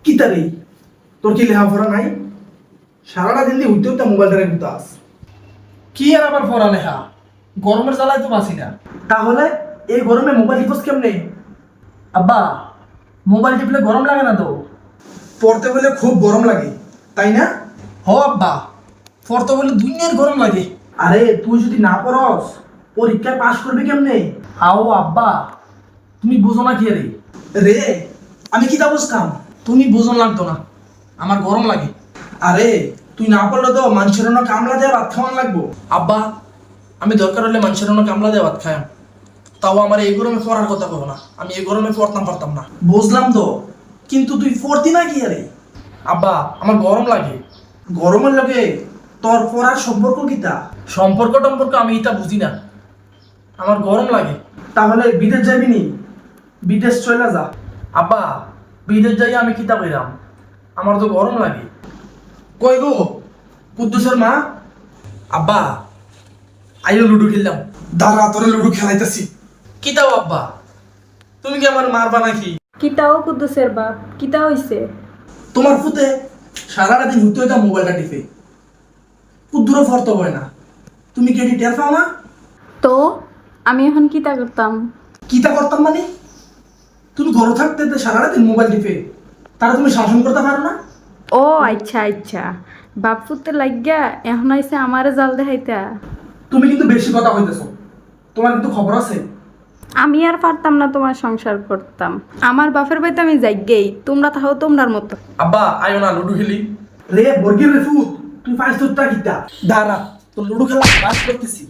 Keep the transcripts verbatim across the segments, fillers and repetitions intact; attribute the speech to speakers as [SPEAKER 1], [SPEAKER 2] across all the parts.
[SPEAKER 1] কি তারে তোর কি লেখাপড়া নাই? সারাটা দিন দিয়ে উঠতে উঠতে মোবাইলটা রেখে আস।
[SPEAKER 2] কি আর আবার পড়ালেখা, গরমের জ্বালায় তো বাঁচি না।
[SPEAKER 1] তাহলে এই গরমে মোবাইল টিপস কেমনে?
[SPEAKER 2] আব্বা, মোবাইল টিপলে গরম লাগে না তো?
[SPEAKER 1] পড়তে বলে খুব গরম লাগে, তাই না?
[SPEAKER 2] হ আব্বা, পড়তে বলে দুনিয়ার গরম লাগে।
[SPEAKER 1] আরে তুই যদি না পড়স পরীক্ষায় পাশ করবি কেমনে?
[SPEAKER 2] আও আব্বা, তুমি বুঝো না কি রে?
[SPEAKER 1] রে আমি কি তা বুঝতাম?
[SPEAKER 2] তুমি বুঝন লাগতো না, আমার গরম লাগে।
[SPEAKER 1] আরে তুই না পড়লে তো মানুষের অন্য কামলা দেওয়া ভাত খাওয়ান লাগবো।
[SPEAKER 2] আব্বা, আমি দরকার হলে মানুষের অন্য কামলা দিয়ে ভাত খাই, তাও আমার এই গরমে পড়ার কথা বলো না। আমি এই গরমে পড়তাম পারতাম না।
[SPEAKER 1] বুঝলাম তো, কিন্তু তুই পড়তি না কি? আরে
[SPEAKER 2] আব্বা, আমার গরম লাগে।
[SPEAKER 1] গরমের লোকে তোর পড়ার সম্পর্ক কিতা?
[SPEAKER 2] সম্পর্ক টম্পর্ক আমি এটা বুঝি না, আমার গরম লাগে।
[SPEAKER 1] তাহলে বিদেশ যাবি নি? বিদেশ চলে যা।
[SPEAKER 2] আব্বা, বিদেশ যাই আমি কিতা কইরাম, আমার তো গরম লাগে।
[SPEAKER 1] কই গো কুদ্দুসের মা?
[SPEAKER 2] আব্বা, আইও লুডো খেললাম।
[SPEAKER 1] দাঁড়া তোরে লুডু খেলাইতেছি।
[SPEAKER 2] কিতাও আব্বা, তুমি কি আমার মারবা নাকি?
[SPEAKER 3] কিতাও কুদ্দুসের বাপ, কিতা হইছে?
[SPEAKER 1] তোমার ফুতে সারাটা দিন হইতে হইতে মোবাইলটা টিপে কুদ্দুরও ফর্ত হয় না। তুমি কি এটি টের পাও না?
[SPEAKER 3] তো আমি এখন কিতা করতাম?
[SPEAKER 1] কিতা করতাম মানে? তুমি ঘর থাকতে তো সারাটা দিন মোবাইল টিপে, তারা তুমি শাসন করতে পারো না?
[SPEAKER 3] ও আচ্ছা আচ্ছা, বাপ ফুটতে লাগিয়া এখন আইসে আমারে জাল দেখাইতা।
[SPEAKER 1] তুমি কিন্তু বেশি কথা কইতেছো, তোমার কিন্তু খবর আছে।
[SPEAKER 3] আমি আর পারতাম না তোমার সংসার করতাম। আমার বাপের বাড়িতে আমি যাইগেই, তোমরা তাহো তোমরার মতো।
[SPEAKER 2] আব্বা আইও না, লুডো খেলি।
[SPEAKER 1] রে বর্গির রে ফুট, তুই পাঁচ তোরটা কিতা?
[SPEAKER 2] দাঁড়া, তো লুডো খেলা বাস করতেছি।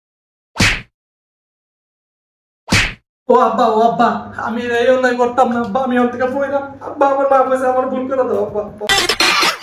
[SPEAKER 2] ও আব্বা, ও আব্বা, আমি এই অন্যায় করতাম না আব্বা, আমি ওর থেকে পড়লাম আব্বা, আমার মা কইছে আমার ভুল করে দাও আব্বা।